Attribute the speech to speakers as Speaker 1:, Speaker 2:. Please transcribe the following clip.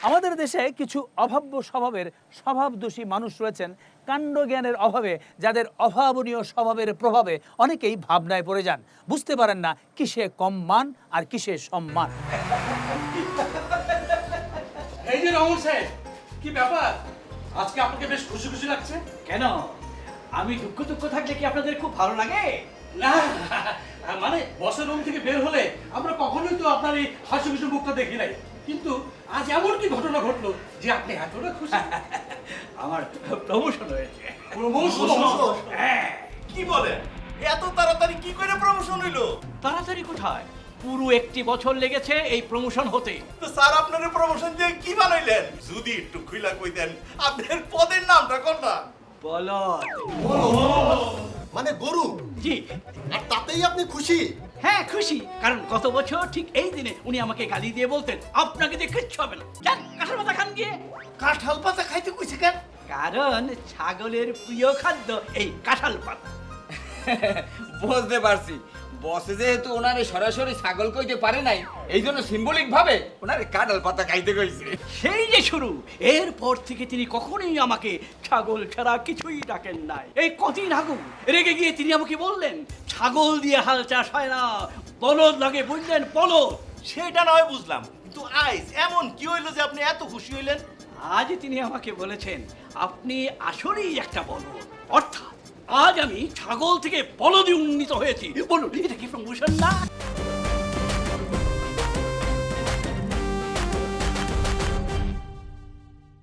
Speaker 1: আমাদের দেশে কিছু অভাব্য স্বভাবের স্বভাবদোষী মানুষ রয়েছেন, কাণ্ডজ্ঞানের অভাবে, যাদের অভাবনীয় স্বভাবের প্রভাবে অনেকেই ভাবনায় পড়ে যান, বুঝতে পারেন না কিসে কম মান আর কিসে সম্মান।
Speaker 2: এই যে রমন সাহেব, কি ব্যাপার? আজকে আপনাকে বেশ খুশি খুশি লাগছে।
Speaker 3: কেন, আমি দুঃখ থাকলে কি আপনাদের খুব ভালো লাগে?
Speaker 2: না, মানে বসের রুম থেকে বের হলে আমরা কখনোই তো আপনার এই হাসি খুশি মুখটা দেখি নাই, কিন্তু আজ এমন কি ঘটনা ঘটলো যে আপনি এতটা খুশি?
Speaker 3: আমার প্রমোশন হয়েছে।
Speaker 2: প্রমোশন?
Speaker 3: হ্যাঁ।
Speaker 4: কি বলেন? এত তাড়াতাড়ি কি করে প্রমোশন হইলো?
Speaker 3: তাড়াতাড়ি কোথায়, পুরো 1 বছর লেগেছে এই প্রমোশন হতে।
Speaker 4: তো স্যার আপনার প্রমোশন দিয়ে কি বানাইলেন? যদি একটু খুইলা কইতেন আপনার পদের নামটা কোনটা?
Speaker 3: বলদ।
Speaker 5: মানে গরু,
Speaker 3: জি
Speaker 5: আর তাতেই আপনি খুশি?
Speaker 3: হ্যাঁ খুশি, কারণ গত বছর ঠিক এই দিনে উনি আমাকে গালি দিয়ে বলতেন, আপনাকে দিয়ে কিচ্ছু হবে না, যান কাঁঠাল পাতা খান গিয়ে।
Speaker 4: কাঁঠাল পাতা খাইতে কইছে কেন?
Speaker 3: কারণ ছাগলের প্রিয় খাদ্য এই কাঁঠাল পাতা।
Speaker 6: বুঝতে পারছি, বসে যেহেতু ওনারে সরাসরি ছাগল কইতে পারে নাই, এই জন্য সিম্বলিক ভাবে ওনারে কাঁঠাল পাতা খাইতে কইছে।
Speaker 3: সেই যে শুরু, এরপর থেকে তিনি কখনোই আমাকে ছাগল ছাড়া কিছুই ডাকেন নাই। এই কদিন আগে রেগে গিয়ে তিনি আমাকে বললেন, ছাগল দিয়ে হাল চাষ হয় না, বলদ লাগে, বুঝলেন, বলদ।
Speaker 4: সেটা নয় বুঝলাম, কিন্তু আইস এমন কি হইলো যে আপনি এত খুশি হইলেন?
Speaker 3: আজ তিনি আমাকে বলেছেন, আপনি আসলেই একটা বলদ, অর্থাৎ আজ আমি ছাগল থেকে বলদে উন্নীত হয়েছি। বলুন, এটা কি প্রমোশন না?